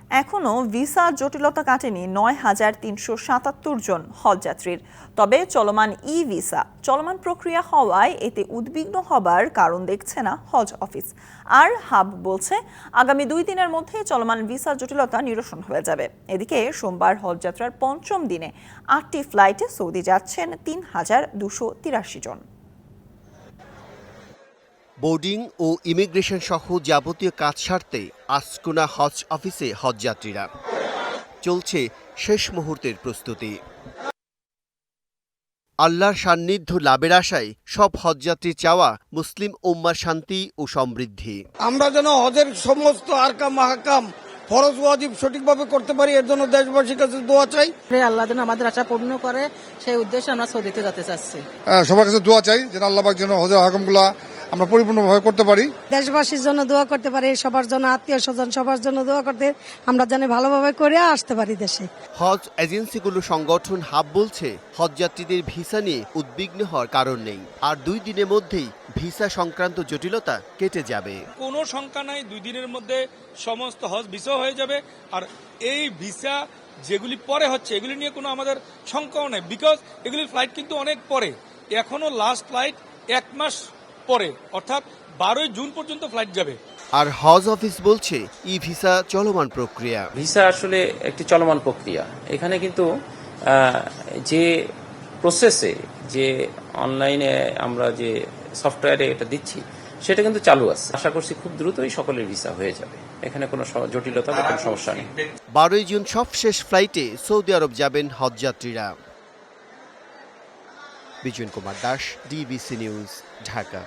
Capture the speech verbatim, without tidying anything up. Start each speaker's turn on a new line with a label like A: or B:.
A: এখনও ভিসা জটিলতা কাটেনি নয় হাজার তিনশো সাতাত্তর জন হজযাত্রীর। তবে চলমান ই ভিসা চলমান প্রক্রিয়া হওয়ায় এতে উদ্বিগ্ন হবার কারণ দেখছে না হজ অফিস। আর হাব বলছে আগামী দুই দিনের মধ্যে চলমান ভিসা জটিলতা নিরসন হয়ে যাবে। এদিকে সোমবার হজযাত্রার পঞ্চম দিনে আটটি ফ্লাইটে সৌদি যাচ্ছেন তিন হাজার দুশো তিরাশি জন।
B: বোর্ডিং ও ইমিগ্রেশন সহ যাবতীয় কাজ সারতে আসকোনা হজ অফিসে হজযাত্রীরা। চলছে শেষ মুহূর্তের প্রস্তুতি। আল্লাহর সান্নিধ্য লাভের আশায় সব হজযাত্রী চাওয়া মুসলিম উম্মার শান্তি ও সমৃদ্ধি।
C: আমরা যেন হজের সমস্ত আরকাম মাহকাম ফরজ ওয়াজিব সঠিকভাবে করতে পারি, এর জন্য দেশবাসীর কাছে দোয়া চাই।
D: আল্লাহ যেন আমাদের আশা পূর্ণ করে, সেই উদ্দেশ্যে আমরা সৌদিতে যেতে চাচ্ছি।
E: সবার কাছে দোয়া চাই যেন আল্লাহ পাক যেন হজের আহকামগুলো আমরা পরিপূর্ণভাবে করতে পারি।
F: দেশবাসীর জন্য দোয়া করতে পারি, সবার জন্য, আত্মীয় স্বজন সবার জন্য দোয়া করতে, আমরা যেন ভালোভাবে করে আসতে পারি দেশে।
B: হজ এজেন্সিগুলো সংগঠন হাব বলছে হজযাত্রীদের ভিসা নিয়ে উদ্বিগ্ন হওয়ার কারণ নেই, আর দুই দিনের মধ্যেই ভিসা সংক্রান্ত জটিলতা কেটে যাবে।
G: কোনো শঙ্কা নাই, দুই দিনের মধ্যে সমস্ত হজ ভিসা হয়ে যাবে। আর এই ভিসা যেগুলি পরে হচ্ছে এগুলি নিয়ে কোনো আমাদের শঙ্কাও নেই, বিকজ এগুলির ফ্লাইট কিন্তু অনেক পরে, এখনো লাস্ট ফ্লাইট এক মাস পরে, অর্থাৎ বারোই জুন পর্যন্ত ফ্লাইট যাবে।
B: আর হজ অফিস বলছে ই ভিসা চলমান প্রক্রিয়া।
H: ভিসা আসলে একটি চলমান প্রক্রিয়া। এখানে কিন্তু যে প্রসেসে যে অনলাইনে আমরা যে সফটওয়্যারে এটা দিচ্ছি সেটা কিন্তু চালু আছে। আশা করছি খুব দ্রুতই সকলের ভিসা হয়ে যাবে, এখানে কোনো জটিলতা বা কোনো সমস্যা নেই।
B: বারোই জুন সবশেষ ফ্লাইটে সৌদি আরব যাবেন হজযাত্রীরা। Bijan Kumar Das, DBC news, Dhaka.